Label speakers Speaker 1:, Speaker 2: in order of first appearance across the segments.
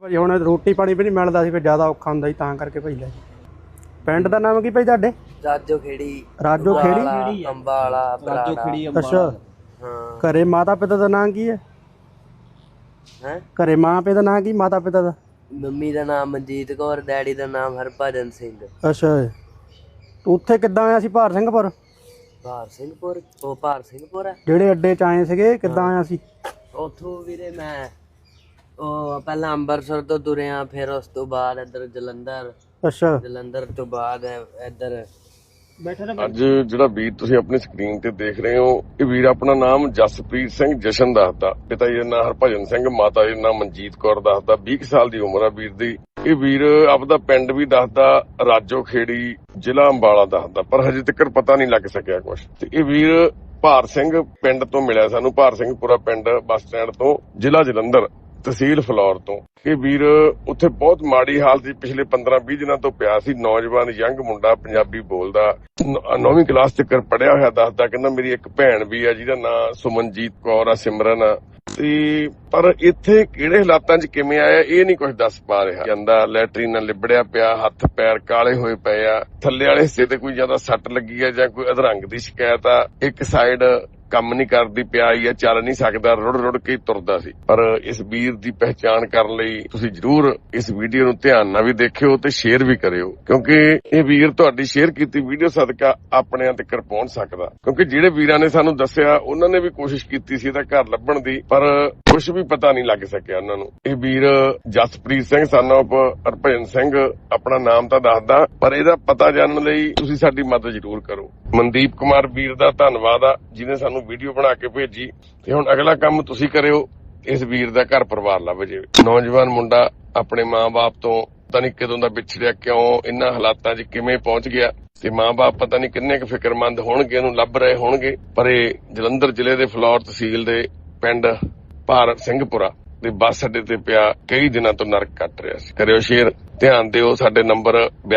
Speaker 1: ਭਾਜੀ ਹੁਣ ਰੋਟੀ ਪਾਣੀ ਵੀ ਨਹੀਂ ਮਿਲਦਾ ਸੀ, ਫਿਰ ਜ਼ਿਆਦਾ ਔਖਾ ਹੁੰਦਾ ਸੀ ਤਾਂ ਕਰਕੇ ਭਾਈ ਲੈ। ਪਿੰਡ ਦਾ ਨਾਮ ਕੀ ਭਾਈ ਤੁਹਾਡੇ?
Speaker 2: ਰਾਜੋ ਖੇੜੀ।
Speaker 1: ਰਾਜੋ ਖੇੜੀ
Speaker 2: ਅੰਬਾਲਾ।
Speaker 3: ਰਾਜੋ ਖੇੜੀ
Speaker 1: ਅੱਛਾ।
Speaker 2: ਹਾਂ।
Speaker 1: ਘਰੇ ਮਾਤਾ ਪਿਤਾ ਦਾ ਨਾਮ ਕੀ ਹੈ?
Speaker 2: ਹੈ
Speaker 1: ਘਰੇ ਮਾਂ ਪਿਓ ਦਾ ਨਾਮ ਕੀ, ਮਾਤਾ ਪਿਤਾ ਦਾ?
Speaker 2: ਮੰਮੀ ਦਾ ਨਾਮ ਮਨਜੀਤ ਕੌਰ, ਡੈਡੀ ਦਾ ਨਾਮ ਹਰਭਜਨ ਸਿੰਘ।
Speaker 1: ਅੱਛਾ। ਤੂੰ ਉੱਥੇ ਕਿੱਦਾਂ ਆਇਆ ਸੀ ਭਾਰ ਸਿੰਘਪੁਰ?
Speaker 2: ਭਾਰ ਸਿੰਘਪੁਰ? ਉਹ ਭਾਰ ਸਿੰਘਪੁਰ ਹੈ
Speaker 1: ਜਿਹੜੇ ਅੱਡੇ ਚ ਆਏ ਸੀਗੇ, ਕਿੱਦਾਂ ਆਇਆ ਸੀ
Speaker 2: ਉੱਥੋਂ? ਵੀਰੇ ਮੈਂ ਉਹ ਪਹਿਲਾਂ ਅੰਮ੍ਰਿਤਸਰ ਤੋਂ ਤੁਰਿਆ, ਫਿਰ ਉਸ ਤੋਂ ਬਾਅਦ ਇੱਧਰ ਜਲੰਧਰ,
Speaker 1: ਅੱਛਾ।
Speaker 2: ਜਲੰਧਰ ਤੋਂ ਬਾਅਦ ਇੱਧਰ
Speaker 4: ਅੱਜ ਜਿਹੜਾ ਵੀਰ ਤੁਸੀਂ ਆਪਣੀ ਸਕਰੀਨ ਤੇ ਦੇਖ ਰਹੇ ਹੋ, ਇਹ ਵੀਰ ਆਪਣਾ ਨਾਮ ਜਸਪ੍ਰੀਤ ਸਿੰਘ ਜਸ਼ਨ ਦੱਸਦਾ, ਪਿਤਾ ਜੀ ਦਾ ਨਾਮ ਹਰਭਜਨ ਸਿੰਘ, ਮਾਤਾ ਜੀ ਦਾ ਨਾਮ ਮਨਜੀਤ ਕੌਰ ਦੱਸਦਾ। 20 ਸਾਲ ਦੀ ਉਮਰ ਆ ਵੀਰ ਦੀ। ਇਹ ਵੀਰ ਆਪਦਾ ਪਿੰਡ ਵੀ ਦੱਸਦਾ ਰਾਜੋ ਖੇੜੀ, ਜ਼ਿਲ੍ਹਾ ਅੰਬਾਲਾ ਦੱਸਦਾ, ਪਰ ਹਜੇ ਤੱਕ ਪਤਾ ਨਹੀਂ ਲੱਗ ਸਕਿਆ ਕੁਝ। ਤੇ ਇਹ ਵੀਰ ਭਾਰ ਸਿੰਘ ਪਿੰਡ ਤੋਂ ਮਿਲਿਆ ਸਾਨੂੰ, ਭਾਰ ਸਿੰਘਪੁਰਾ ਪਿੰਡ, ਬੱਸ ਸਟੈਂਡ ਤੋਂ, ਜ਼ਿਲ੍ਹਾ ਜਲੰਧਰ, ਤਹਿਸੀਲ ਫਲੌਰ ਤੋਂ। ਇਹ ਵੀਰ ਉੱਥੇ ਬਹੁਤ ਮਾੜੀ ਹਾਲਤ ਸੀ, ਪਿਛਲੇ 15-20 ਦਿਨਾਂ ਤੋਂ ਪਿਆ ਸੀ। ਨੌਜਵਾਨ ਯੰਗ ਮੁੰਡਾ, ਪੰਜਾਬੀ ਬੋਲਦਾ, 9ਵੀਂ ਕਲਾਸ ਤੱਕ ਪੜਿਆ ਹੋਇਆ ਦੱਸਦਾ। ਕਹਿੰਦਾ ਮੇਰੀ ਇੱਕ ਭੈਣ ਵੀ ਆ ਜਿਹਦਾ ਨਾਂ ਸੁਮਨਜੀਤ ਕੌਰ ਆ, ਸਿਮਰਨ ਆ। ਤੇ ਪਰ ਇੱਥੇ ਕਿਹੜੇ ਹਾਲਾਤਾਂ 'ਚ ਕਿਵੇਂ ਆਇਆ ਇਹ ਨਹੀਂ ਕੁਝ ਦੱਸ ਪਾ ਰਿਹਾ। ਜਾਂਦਾ ਲੈਟਰੀਨ ਨਾਲ ਲਿਬੜਿਆ ਪਿਆ, ਹੱਥ ਪੈਰ ਕਾਲੇ ਹੋਏ ਪਏ ਆ, ਥੱਲੇ ਵਾਲੇ ਹਿੱਸੇ ਤੇ ਕੋਈ ਜ਼ਿਆਦਾ ਸੱਟ ਲੱਗੀ ਆ ਜਾਂ ਕੋਈ ਅਧਰੰਗ ਦੀ ਸ਼ਿਕਾਇਤ ਆ, ਇੱਕ ਸਾਈਡ ਕੰਮ ਨਹੀਂ ਕਰਦੀ ਪਿਆਈ ਆ, ਚੱਲ ਨਹੀਂ ਸਕਦਾ, ਰੁੜ ਰੁੜ ਕੇ ਤੁਰਦਾ ਸੀ। ਪਰ ਇਸ ਵੀਰ ਦੀ ਪਹਿਚਾਣ ਕਰਨ ਲਈ ਤੁਸੀਂ ਜਰੂਰ ਇਸ ਵੀਡੀਓ ਨੂੰ ਧਿਆਨ ਨਾਲ ਵੀ ਦੇਖਿਓ ਤੇ ਸ਼ੇਅਰ ਵੀ ਕਰਿਓ, ਕਿਉਂਕਿ ਇਹ ਵੀਰ ਤੁਹਾਡੀ ਸ਼ੇਅਰ ਕੀਤੀ ਵੀਡੀਓ ਸਦਕਾ ਆਪਣਿਆਂ ਤੱਕ ਪਹੁੰਚ ਸਕਦਾ। ਕਿਉਂਕਿ ਜਿਹੜੇ ਵੀਰਾਂ ਨੇ ਸਾਨੂੰ ਦੱਸਿਆ ਉਹਨਾਂ ਨੇ ਵੀ ਕੋਸ਼ਿਸ਼ ਕੀਤੀ ਸੀ ਇਹਦਾ ਘਰ ਲੱਭਣ ਦੀ, ਪਰ ਕੁਝ ਵੀ ਪਤਾ ਨਹੀਂ ਲੱਗ ਸਕਿਆ ਉਹਨਾਂ ਨੂੰ। ਇਹ ਵੀਰ ਜਸਪ੍ਰੀਤ ਸਿੰਘ son of ਹਰਭਜਨ ਸਿੰਘ ਆਪਣਾ ਨਾਮ ਤਾਂ ਦੱਸਦਾ, ਪਰ ਇਹਦਾ ਪਤਾ ਜਾਣਨ ਲਈ ਤੁਸੀਂ ਸਾਡੀ ਮਦਦ ਜਰੂਰ ਕਰੋ। ਮਨਦੀਪ ਕੁਮਾਰ ਵੀਰ ਦਾ ਧੰਨਵਾਦ ਆ ਜਿਹਨੇ ਸਾਨੂੰ ਵੀਡੀਓ ਬਣਾ ਕੇ ਭੇਜੀ। ਤੇ ਹੁਣ ਅਗਲਾ ਕੰਮ ਤੁਸੀਂ ਕਰਿਓ, ਇਸ ਵੀਰ ਦਾ ਘਰ ਪਰਿਵਾਰ ਲੱਭ ਜੇ। ਨੌਜਵਾਨ ਮੁੰਡਾ ਆਪਣੇ ਮਾਂ-ਬਾਪ ਤੋਂ ਪਤਾ ਨਹੀਂ ਕਦੋਂ ਦਾ ਵਿਛੜਿਆ, ਕਿਉਂ ਇਹਨਾਂ ਹਾਲਾਤਾਂ 'ਚ ਕਿਵੇਂ ਪਹੁੰਚ ਗਿਆ, ਤੇ ਮਾਂ-ਬਾਪ ਪਤਾ ਨਹੀਂ ਕਿੰਨੇ ਕੁ ਫਿਕਰਮੰਦ ਹੋਣਗੇ, ਇਹਨੂੰ ਲੱਭ ਰਹੇ ਹੋਣਗੇ। ਪਰ ਇਹ ਜਲੰਧਰ ਜ਼ਿਲ੍ਹੇ ਦੇ ਫਲੌਰ ਤਹਿਸੀਲ ਦੇ ਪਿੰਡ ਭਾਰ ਸਿੰਘਪੁਰਾ ਦੇ ਬੱਸ ਅੱਡੇ ਤੇ ਪਿਆ ਕਈ ਦਿਨਾਂ ਤੋਂ ਨਰਕ ਕੱਟ ਰਿਹਾ ਸੀ। ਕਰਿਓ ਸ਼ੇਅਰ, ਧਿਆਨ ਦਿਓ। ਸਾਡੇ ਨੰਬਰ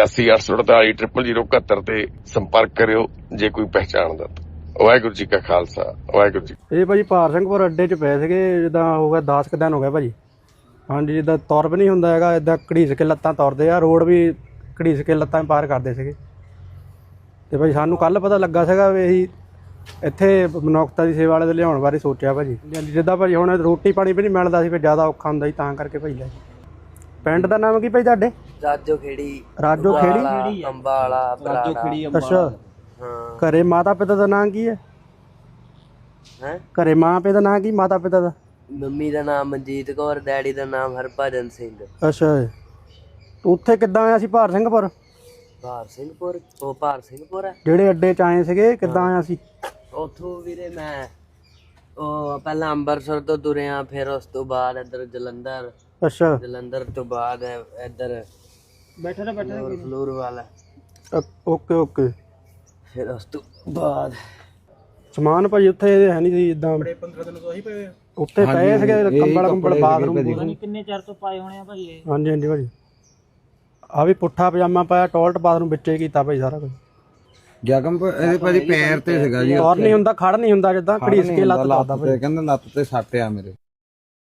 Speaker 4: 8284480071 ਤੇ ਸੰਪਰਕ ਕਰਿਓ ਜੇ ਕੋਈ ਪਹਿਚਾਣਦਾ। ਵਾਹਿਗੁਰੂ ਜੀ ਕਾ ਖਾਲਸਾ, ਵਾਹਿਗੁਰੂ ਜੀ।
Speaker 1: ਇਹ ਭਾਜੀ ਭਾਰ ਸਿੰਘਪੁਰ ਅੱਡੇ 'ਚ ਪਏ ਸੀਗੇ, ਜਿੱਦਾਂ ਹੋ ਗਿਆ 10 ਕੁ ਦਿਨ ਹੋ ਗਿਆ ਭਾਜੀ। ਹਾਂਜੀ, ਜਿੱਦਾਂ ਤੁਰ ਵੀ ਨਹੀਂ ਹੁੰਦਾ ਹੈਗਾ, ਏਦਾਂ ਘੜੀਸ ਕੇ ਲੱਤਾਂ ਤੁਰਦੇ ਆ, ਰੋਡ ਵੀ ਘੜੀਸ ਕੇ ਲੱਤਾਂ ਪਾਰ ਕਰਦੇ ਸੀਗੇ। ਤੇ ਭਾਜੀ ਸਾਨੂੰ ਕੱਲ ਪਤਾ ਲੱਗਾ ਸੀਗਾ ਵੀ ਅਸੀਂ ਇੱਥੇ ਮਨੁੱਖਤਾ ਦੀ ਸੇਵਾ ਵਾਲੇ ਦੇ ਲਿਆਉਣ ਬਾਰੇ ਸੋਚਿਆ ਭਾਜੀ। ਜਿੱਦਾਂ ਭਾਜੀ ਹੁਣ ਰੋਟੀ ਪਾਣੀ ਵੀ ਨਹੀਂ ਮਿਲਦਾ ਸੀ, ਫਿਰ ਜ਼ਿਆਦਾ ਔਖਾ ਹੁੰਦਾ ਸੀ ਤਾਂ ਕਰਕੇ ਭਾਈ ਲੈ। ਪਿੰਡ ਦਾ ਨਾਮ ਕੀ ਭਾਈ ਤੁਹਾਡੇ?
Speaker 2: ਰਾਜੋ ਖੇੜੀ।
Speaker 1: ਰਾਜੋ ਖੇੜੀ
Speaker 2: ਅੰਬਾਲਾ।
Speaker 3: ਰਾਜੋ ਖੇੜੀ
Speaker 1: ਅੱਛਾ।
Speaker 2: ਹਾਂ।
Speaker 1: ਘਰੇ ਮਾਤਾ ਪਿਤਾ ਦਾ ਨਾਮ ਕੀ ਹੈ?
Speaker 2: ਹੈ
Speaker 1: ਘਰੇ ਮਾਂ ਪਿਓ ਦਾ ਨਾਮ ਕੀ, ਮਾਤਾ ਪਿਤਾ ਦਾ?
Speaker 2: ਮੰਮੀ ਦਾ ਨਾਮ ਮਨਜੀਤ ਕੌਰ, ਡੈਡੀ ਦਾ ਨਾਮ ਹਰਭਜਨ ਸਿੰਘ।
Speaker 1: ਅੱਛਾ। ਤੂੰ ਉੱਥੇ ਕਿੱਦਾਂ ਆਇਆ ਸੀ ਭਾਰ ਸਿੰਘਪੁਰ?
Speaker 2: ਭਾਰ ਸਿੰਘਪੁਰ? ਉਹ ਭਾਰ ਸਿੰਘਪੁਰ ਹੈ
Speaker 1: ਜਿਹੜੇ ਅੱਡੇ 'ਚ ਆਏ ਸੀਗੇ, ਕਿੱਦਾਂ ਆਇਆ ਸੀ
Speaker 2: ਉੱਥੋਂ? ਵੀਰੇ ਮੈਂ ਉਹ ਪਹਿਲਾਂ ਅੰਮ੍ਰਿਤਸਰ ਤੋਂ ਤੁਰਿਆ, ਫਿਰ ਉਸ ਤੋਂ ਬਾਅਦ ਇੱਧਰ ਜਲੰਧਰ,
Speaker 1: ਅੱਛਾ।
Speaker 2: ਜਲੰਧਰ ਤੋਂ ਬਾਅਦ ਇੱਧਰ ਫਲੂਰ ਵਾਲਾ,
Speaker 1: ਓਕੇ ਓਕੇ।
Speaker 2: ਫਿਰ ਉਸ ਤੋਂ ਬਾਅਦ
Speaker 1: ਸਮਾਨ ਭਾਜੀ ਉੱਥੇ ਹੈ ਨਹੀਂ ਸੀ, ਇਦਾਂ 15 ਦਿਨ ਤੋਂ ਹੀ ਪਏ ਉੱਥੇ ਪਏ ਸੀਗੇ, ਕੰਬਲ ਬਾਥਰੂਮ
Speaker 3: ਕਿੰਨੇ ਚਿਰ ਤੋਂ ਪਾਏ ਹੋਣੇ ਆ ਭਾਈ ਇਹ?
Speaker 1: ਹਾਂਜੀ ਹਾਂਜੀ ਭਾਜੀ। ਆ ਵੀ ਪੁੱਠਾ ਪਜਾਮਾ ਪਾਇਆ, ਟਾਇਲਟ ਬਾਥਰੂਮ ਵਿੱਚੇ ਕੀਤਾ ਭਾਈ ਸਾਰਾ ਕੁਝ।
Speaker 5: ਜ਼ਖਮ ਇਹਦੇ ਭਾਜੀ ਪੈਰ ਤੇ ਸੀਗਾ ਜੀ,
Speaker 1: ਔਰ ਨਹੀਂ ਹੁੰਦਾ, ਖੜ ਨਹੀਂ ਹੁੰਦਾ, ਜਿੱਦਾਂ ਘੜੀਸ ਕੇ ਲੱਤ ਲਾਦਾ ਭਾਈ।
Speaker 5: ਕਹਿੰਦਾ ਲੱਤ ਤੇ ਸੱਟ ਆ ਮੇਰੇ।